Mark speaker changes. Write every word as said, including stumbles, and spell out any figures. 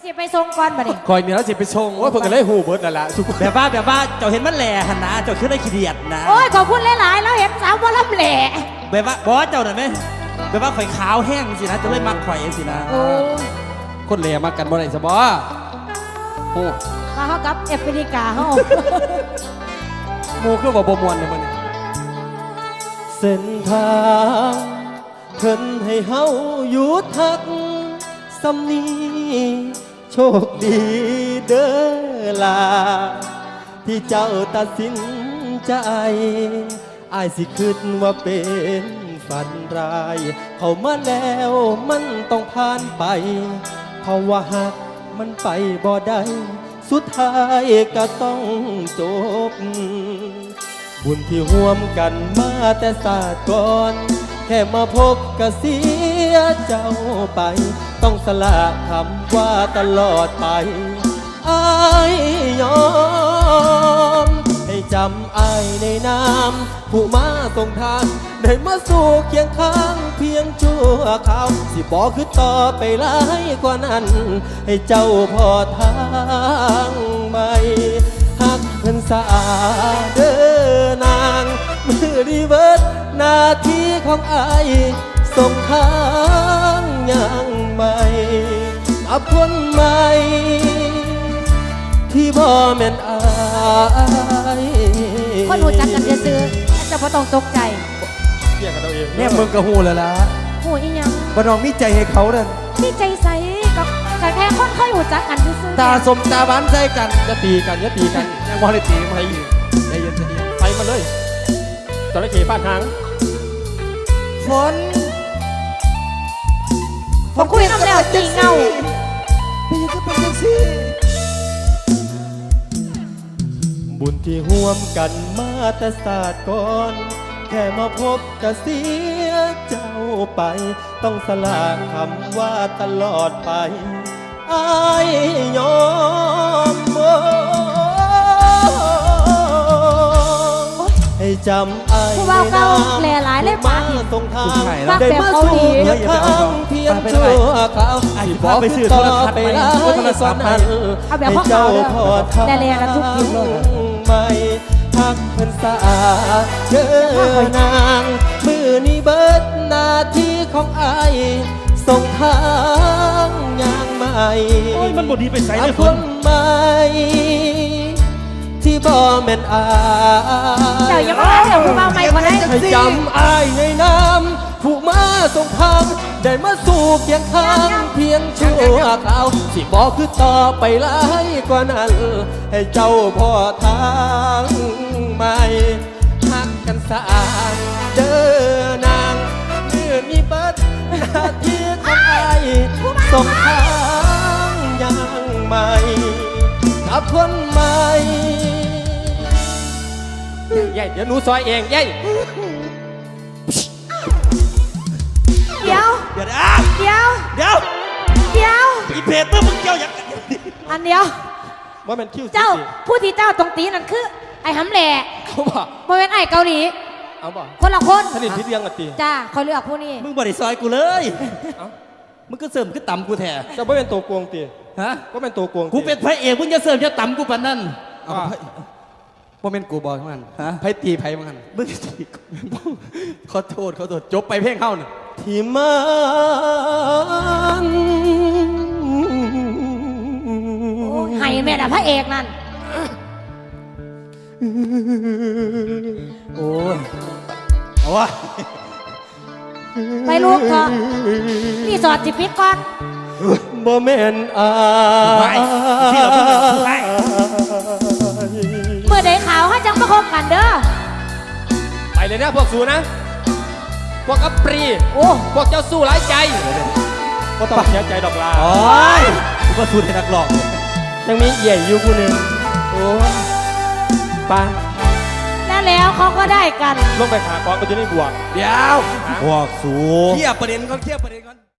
Speaker 1: จะไปส่งก่อนบ่ดิ
Speaker 2: คอยเนี่ยเราจะไปชงว่าเพิ่งเลยหูเบิร์ดนั่นแหละทุกคน
Speaker 3: แบบว่าแบบว่าเจ้าเห็นมันแหล่หันนะเจ้าขึ้นได้ขี้เดียดนะ
Speaker 1: โอ้ยขอบคุณหลายๆแล้วเห็นสาวว่าลำแหล่
Speaker 3: แบบว่าบอสเจ้าหน่อยไหมแบบว่าข่อยขาวแห้งสินะจะเลยมักข่อยสินะ
Speaker 1: โอ้
Speaker 2: คนเหล่มากันบ่ได้สบอโอ้
Speaker 1: มาเข้ากับแอฟริกาเฮา
Speaker 2: หมูคือว่าบ่มวนเลยมัน
Speaker 4: เส้นทางเพิ่นให้เฮาหยุดทักสำนีโชคดีเด้อลาที่เจ้าตัดสินใจอายสิคิดว่าเป็นฝันร้ายเข้ามาแล้วมันต้องผ่านไปเพราะว่าหากมันไปบ่ได้สุดท้ายก็ต้องจบบุญที่ร่วมกันมาแต่ศาสตร์ก่อนแค่มาพบก็เสียเจ้าไปต้องสละคำว่าตลอดไปอายยอมให้จำอายในนามผู้มาส่งทางได้มาสู่เคียงข้างเพียงชั่วคราวสิบอกคือต่อไปหลายกว่านั้นให้เจ้าพอทางใหม่หักเพิ่นสะอาดเด้อนางมือดีเวิร์ดหน้าที่ของอายส่งทางอย่างใหม่กับคนใหม่ที่บ่แม่นอาย
Speaker 1: คนหูจักกันซื่อๆจะบ่ต้องตกใจ
Speaker 4: เกี่ยงกันเอาเอง
Speaker 2: เนี่ยมึงก็หูแล้วล่ะ
Speaker 1: หูอีหยัง
Speaker 2: บ่น้องมีใจให้เขาเด้อ
Speaker 1: นี่ใจใสกับแค่คนค่อยหูจักกันซื่อๆ
Speaker 2: ตาสมตาหวานใจกันอย่าตีกันอย่าตีกันยังบ่ได้ตีมาให้อีกใจเย็นใจเย็น
Speaker 4: ไปมาเลยจระเข้บ้านหาง
Speaker 2: ฝน
Speaker 1: ผมคุยน้ำแล้วตีเงา
Speaker 2: ไปยังก็เป็นจังซี่
Speaker 4: บุญที่ห่วมกันมาแต่ศาสตร์ก่อนแค่มาพบก็เสียเจ้าไปต้องสละคำว่าตลอดไปอายยอมให้จำอาย
Speaker 1: ผู้บ่าวเก่าแหล่หลายเลยปากนี่
Speaker 4: ตรงทาง
Speaker 1: ปากแบบเกาหลี
Speaker 4: ได้มาสู่เพียงชั่วคราวสิบอกไปซื้อโทรทัศน์ไปแล้วนั้น
Speaker 1: เอาแบบพ่อเขาเด้อแต่แลละทุกทีเลย
Speaker 4: ไม่ทักเพิ่นสะอาดเด้อนางมือนี้เบิดหน้าที่ของอายส่งทางอย่างใหม่
Speaker 3: โอ้ยมันบดีไปใส่เลย
Speaker 4: ค
Speaker 3: ฝน
Speaker 4: นใหม่ที่บ่แม่นอาย
Speaker 1: เจ้าอย่ามาหาเรื่องผู้บ่าวใหม่คนนั้น
Speaker 4: ให้จำอายในน้ำผู้มาส่งทางได้มาสู่เพียงข้างเพียงชั่วคราวสิบอกคือต่อไปหลายกว่านั้นให้เจ้าพอทางใหม่หักกันสะอาดเด้อนางเมื่อมีเบิดหน้าที่ของอายส่งทางอย่างใหม่กับคนใหม่ใหญ่เดี๋ยวหนูซอยเองใหญ่
Speaker 1: เดี๋ยว
Speaker 3: เดี๋ยวอ่ะ
Speaker 1: เดี๋ยว
Speaker 3: เดี๋ยว
Speaker 1: เดี๋ยว
Speaker 3: อีเพจเมื่อมึงเกี่ยวอย่าง
Speaker 1: อันเดียว
Speaker 4: ว่ามันคิ้ว
Speaker 1: เจ้าผู้ที่เจ้าตรงตีนั่นคือ ไอ้หำแหล่
Speaker 4: เขาบอก
Speaker 1: บ่เป็นไอ้เกาหลี
Speaker 4: เอาบอก
Speaker 1: คนละคน
Speaker 4: สนิทพิษเรียงกันตี
Speaker 1: จ้าเขาเลือกผู้นี้
Speaker 3: มึงบริซอยกูเลยมึงก็เสริมก็ต่ำกูแท้
Speaker 4: จะไม่เป็นตัวกวงตี
Speaker 3: ฮะ
Speaker 4: ก็เป็นตัวกวง
Speaker 3: กูเป็นพระเอกมึงจะเสริมจะต่ำกูปานนั้น
Speaker 2: เอาไผบ่แม่นกูบอกมัน
Speaker 3: ฮะ
Speaker 2: ไผตีไผมัน
Speaker 3: มึงตีกู
Speaker 2: ขอโทษขอโทษจบไปเพลงเฮาน่ะ
Speaker 4: ที่มัน
Speaker 1: โอ้ยให้แม่ด่าพระเอกนั่น
Speaker 3: โอ้ยเอาวะ
Speaker 1: ไปลูกเถอะนี่สอดจิปิดก่อน
Speaker 4: บ่แม่นอาย
Speaker 3: เชื่อมึงเลยไป
Speaker 1: เมื่อใดข่าวเขาจังมาคบกันเด้อ
Speaker 4: ไปเลยนะพวกสูนะ พวกอัปรี
Speaker 1: โอ้
Speaker 4: พวกเจ้าสู้หลายใจก็ต้องเสียใจดอกลา
Speaker 3: โอ้ยกูก็สูดให้นักหลอก
Speaker 4: ยังมีเอี่ยอยู่ผู้หนึ่งโอ้ยปา
Speaker 1: แล้วแล้วเขาก็ได้กัน
Speaker 4: ลงไปหากองมันจะได้บวก
Speaker 2: เดี๋ยว
Speaker 3: พวกสู
Speaker 2: เคลียร์ประเด็นก่อนเคลียร์ประเด็นก่อน